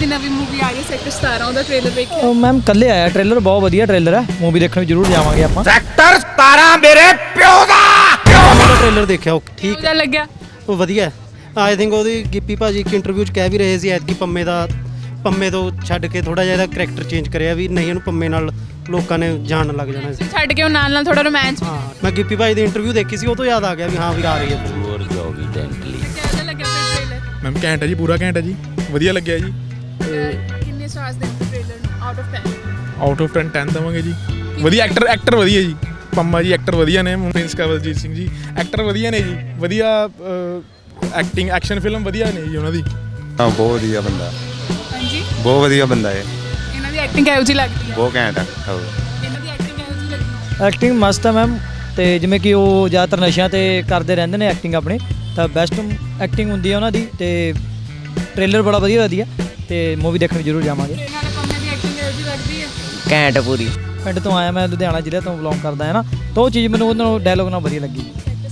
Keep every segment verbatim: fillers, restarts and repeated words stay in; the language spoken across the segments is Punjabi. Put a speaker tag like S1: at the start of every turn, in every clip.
S1: ਦੀ ਨਵੀਂ ਮੂਵੀ ਆ ਰਹੀ ਸੈਕਟਰ ਸਤਾਰਾਂ ਉਹਦਾ ਟ੍ਰੇਲਰ ਵੇਖਿਆ?
S2: ਮੈਮ ਕੱਲੇ ਆਇਆ ਟ੍ਰੇਲਰ, ਬਹੁਤ ਵਧੀਆ ਟ੍ਰੇਲਰ ਹੈ। ਮੂਵੀ ਦੇਖਣ ਵੀ ਜ਼ਰੂਰ ਜਾਵਾਂਗੇ ਆਪਾਂ।
S3: ਸੈਕਟਰ ਸਤਾਰਾਂ ਮੇਰੇ ਪਿਓ ਦਾ
S4: ਉਹਦਾ ਟ੍ਰੇਲਰ ਦੇਖਿਆ, ਉਹ ਠੀਕ
S1: ਕਿਹਦਾ ਲੱਗਿਆ?
S4: ਉਹ ਵਧੀਆ। ਆਈ ਥਿੰਕ ਉਹਦੀ ਗਿੱਪੀ ਭਾਜੀ ਇੱਕ ਇੰਟਰਵਿਊ 'ਚ ਕਹਿ ਵੀ ਰਹੇ ਸੀ ਐਤਕੀ ਪੰਮੇ ਦਾ ਪੰਮੇ ਤੋਂ ਛੱਡ ਕੇ ਥੋੜਾ ਜਿਹਾ ਇਹਦਾ ਕਰੈਕਟਰ ਚੇਂਜ ਕਰਿਆ ਵੀ ਨਹੀਂ ਇਹਨੂੰ ਪੰਮੇ ਨਾਲ ਲੋਕਾਂ ਨੇ ਜਾਣਨ ਲੱਗ ਜਾਣਾ ਸੀ।
S1: ਛੱਡ ਕੇ ਉਹ ਨਾਲ ਨਾਲ ਥੋੜਾ ਰੋਮਾਂਸ।
S4: ਹਾਂ ਮੈਂ ਗਿੱਪੀ ਭਾਜੀ ਦੀ ਇੰਟਰਵਿਊ ਦੇਖੀ ਸੀ, ਉਹ ਤੋਂ ਯਾਦ ਆ ਗਿਆ ਵੀ ਹਾਂ ਵੀ ਆ ਰਹੀ ਹੈ।
S1: ਕਿਹਦਾ ਲੱਗਿਆ ਫਿਰ ਟ੍ਰੇਲਰ?
S5: ਮੈਮ ਘੈਂਟ ਹੈ ਜੀ, ਪੂਰਾ ਘੈਂਟ ਹੈ ਜੀ, ਵਧੀਆ ਲੱਗਿਆ ਜੀ।
S1: ਕਿੰਨੇ ਸਟਾਰਸ ਦੇਂਗੇ ਟ੍ਰੇਲਰ ਨੂੰ ਆਊਟ ਆਫ ਦਸ?
S5: ਆਊਟ ਆਫ ਦਸ ਦਸ ਦੇਵਾਂਗੇ ਜੀ। ਵਧੀਆ ਐਕਟਰ ਐਕਟਰ ਵਧੀਆ ਜੀ, ਪੰਮਾ ਜੀ ਐਕਟਰ ਵਧੀਆ ਨੇ, ਪ੍ਰਿੰਸ ਕਵਲਜੀਤ ਸਿੰਘ ਜੀ ਐਕਟਰ ਵਧੀਆ ਨੇ ਜੀ, ਵਧੀਆ ਐਕਟਿੰਗ ਐਕਸ਼ਨ ਫਿਲਮ ਵਧੀਆ ਨੇ ਜੀ ਉਹਨਾਂ ਦੀ।
S6: ਹਾਂ ਬਹੁਤ ਵਧੀਆ ਬੰਦਾ,
S1: ਹਾਂਜੀ
S6: ਬਹੁਤ ਵਧੀਆ ਬੰਦਾ ਹੈ।
S1: ਇਹਨਾਂ ਦੀ ਐਕਟਿੰਗ ਕਿਹੋ ਜਿਹੀ ਲੱਗਦੀ ਹੈ?
S6: ਬਹੁਤ ਘੈਂਟ ਹੈ।
S1: ਇਹਨਾਂ ਦੀ ਐਕਟਿੰਗ ਕਿਹੋ ਜਿਹੀ ਲੱਗਦੀ ਹੈ?
S2: ਐਕਟਿੰਗ ਮਸਤ ਹੈ ਮੈਮ, ਤੇ ਜਿਵੇਂ ਕਿ ਉਹ ਜ਼ਿਆਦਾਤਰ ਨਸ਼ਿਆਂ ਤੇ ਕਰਦੇ ਰਹਿੰਦੇ ਨੇ ਐਕਟਿੰਗ ਆਪਣੀ, ਤਾਂ ਬੈਸਟ ਐਕਟਿੰਗ ਹੁੰਦੀ ਹੈ ਉਹਨਾਂ ਦੀ। ਤੇ ਟ੍ਰੇਲਰ ਬੜਾ ਵਧੀਆ ਵਧੀਆ, ਤੇ ਮੂਵੀ ਦੇਖਣ ਜ਼ਰੂਰ ਜਾਵਾਂਗੇ।
S1: ਇਹਨਾਂ ਦੇ ਪੰਮੇ ਦੀ ਐਕਟਿੰਗ ਕਿਹੋ ਜਿਹੀ ਲੱਗਦੀ ਹੈ?
S2: ਘੈਂਟ ਪੂਰੀ। ਪਿੰਡ ਤੋਂ ਆਇਆ ਮੈਂ, ਲੁਧਿਆਣਾ ਜ਼ਿਲ੍ਹੇ ਤੋਂ ਬਿਲੋਂਗ ਕਰਦਾ ਹੈ ਨਾ, ਤਾਂ ਉਹ ਚੀਜ਼ ਮੈਨੂੰ ਉਹਨਾਂ ਨੂੰ ਡਾਇਲੋਗ ਨਾਲ ਵਧੀਆ ਲੱਗੀ।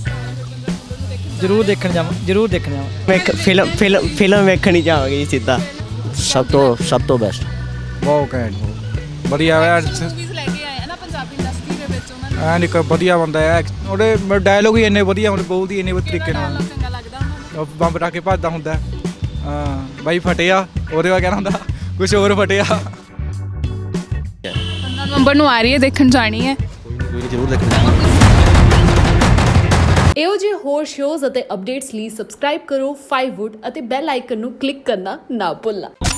S2: ਜ਼ਰੂਰ ਦੇਖਣ ਜਾਵਾਂ, ਜ਼ਰੂਰ ਦੇਖਣ ਜਾਵਾਂ।
S7: ਵੇਖ ਫਿਲਮ ਫਿਲਮ ਫਿਲਮ ਵੇਖਣੀ ਜਾਵਾਂਗੇ ਸਿੱਧਾ। ਸਭ ਤੋਂ ਸਭ ਤੋਂ ਬੈਸਟ,
S8: ਬਹੁਤ ਘੈਂਟ, ਵਧੀਆ ਹੈ।
S1: ਮੂਵੀਜ਼ ਲੈ ਕੇ ਆਏ ਆ ਨਾ ਪੰਜਾਬੀ ਇੰਡਸਟਰੀ ਦੇ ਵਿੱਚ, ਉਹਨਾਂ ਨੂੰ
S8: ਐਨ ਇੱਕ ਵਧੀਆ ਬੰਦਾ ਹੈ, ਉਹਦੇ ਡਾਇਲੋਗ ਹੀ ਇੰਨੇ ਵਧੀਆ ਹੁੰਦੇ, ਬੋਲਦੀ ਇੰਨੇ ਵਧੀਆ ਤਰੀਕੇ ਨਾਲ,
S1: ਚੰਗਾ ਲੱਗਦਾ ਉਹਨਾਂ ਨੂੰ।
S8: ਬੰਬ ਰੱਖ ਕੇ ਭੱਜਦਾ ਹੁੰਦਾ। ਹਾਂ ਬਾਈ ਫਟਿਆ, ਉਹਦੇ ਵਾ ਕਹਿਣਾ ਹੁੰਦਾ ਕੁਛ ਹੋਰ ਫਟਿਆ।
S1: ਪੰਦਰਾਂ ਨਵੰਬਰ ਨੂੰ ਆ ਰਹੀ ਹੈ, ਦੇਖਣ ਜਾਣੀ ਹੈ।
S4: ਕੋਈ ਜ਼ਰੂਰ ਦੇਖਣਾ।
S9: ਇਹੋ ਜਿਹੇ ਹੋਰ ਸ਼ੋਜ਼ ਅਤੇ ਅਪਡੇਟਸ ਲਈ ਸਬਸਕ੍ਰਾਈਬ ਕਰੋ ਫਾਈਵ ਵੁੱਡ ਅਤੇ ਬੈਲ ਆਈਕਨ ਨੂੰ ਕਲਿੱਕ ਕਰਨਾ ਨਾ ਭੁੱਲਣਾ।